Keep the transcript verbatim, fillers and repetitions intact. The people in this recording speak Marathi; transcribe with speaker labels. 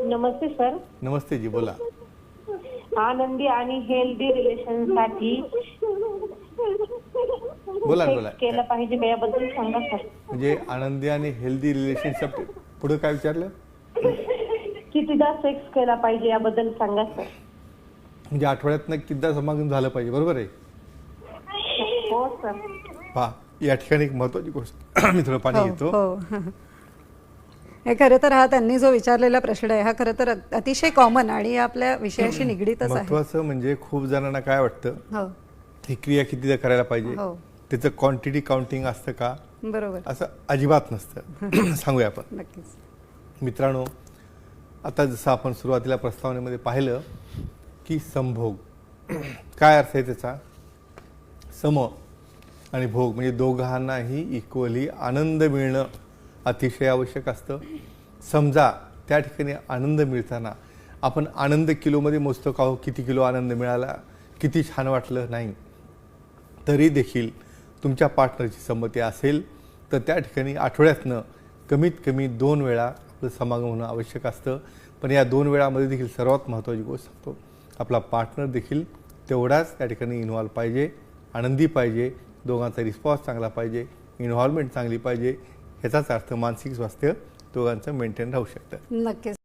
Speaker 1: नमस्ते सर.
Speaker 2: नमस्ते जी, बोला.
Speaker 1: आनंदी आणि हेल्दी रिलेशन साठी
Speaker 2: बोला बोला.
Speaker 1: केलं पाहिजे का याबद्दल सांगा सर.
Speaker 2: म्हणजे आनंदी आणि हेल्दी रिलेशनशिप पुढे काय विचारलं?
Speaker 1: कितीदा सेक्स केला पाहिजे याबद्दल सांगा सर.
Speaker 2: म्हणजे आठवड्यातनं कितीदा समागम झालं पाहिजे, बरोबर आहे?
Speaker 1: हो सर.
Speaker 2: पहा, या ठिकाणी एक महत्त्वाची गोष्ट मी थोडं पाणी
Speaker 3: हो,
Speaker 2: घेतो.
Speaker 3: हो. हे खरं तर हा त्यांनी जो विचारलेला प्रश्न आहे हा खरं तर अतिशय कॉमन आणि आपल्या विषयाशी निगडीतच आहे.
Speaker 2: महत्त्वाचं म्हणजे खूप जणांना काय वाटतं,
Speaker 3: हो
Speaker 2: ही क्रिया कितीदा करायला पाहिजे,
Speaker 3: हो
Speaker 2: त्याचं क्वांटिटी काउंटिंग असतं का?
Speaker 3: बरोबर.
Speaker 2: असं अजिबात नसतं. सांगूया आपण.
Speaker 3: नक्कीच.
Speaker 2: मित्रांनो, आता जसं आपण सुरुवातीला प्रस्तावनेमध्ये पाहिलं की संभोग काय अर्थ आहे त्याचा? सम आणि भोग म्हणजे दोघांनाही इक्वली आनंद मिळणं अतिशय आवश्यक असतं. समजा त्या ठिकाणी आनंद मिळताना आपण आनंद किलोमध्ये मोजतो का हो, किती किलो आनंद मिळाला, किती छान वाटलं, नाही. तरी देखील तुमच्या पार्टनरची संमती असेल तर त्या ठिकाणी आठवड्यातनं कमीत कमी दोन वेळा आपलं समागम होणं आवश्यक असतं. पण या दोन वेळामध्ये देखील सर्वात महत्त्वाची गोष्ट सांगतो, आपला पार्टनर देखील तेवढाच त्या ठिकाणी इन्व्हॉल्व पाहिजे, आनंदी पाहिजे, दोघांचा रिस्पॉन्स चांगला पाहिजे, इन्व्हॉल्वमेंट चांगली पाहिजे. ह्याचाच अर्थ मानसिक स्वास्थ्य दोघांचं मेंटेन राहू शकतं.
Speaker 3: नक्कीच.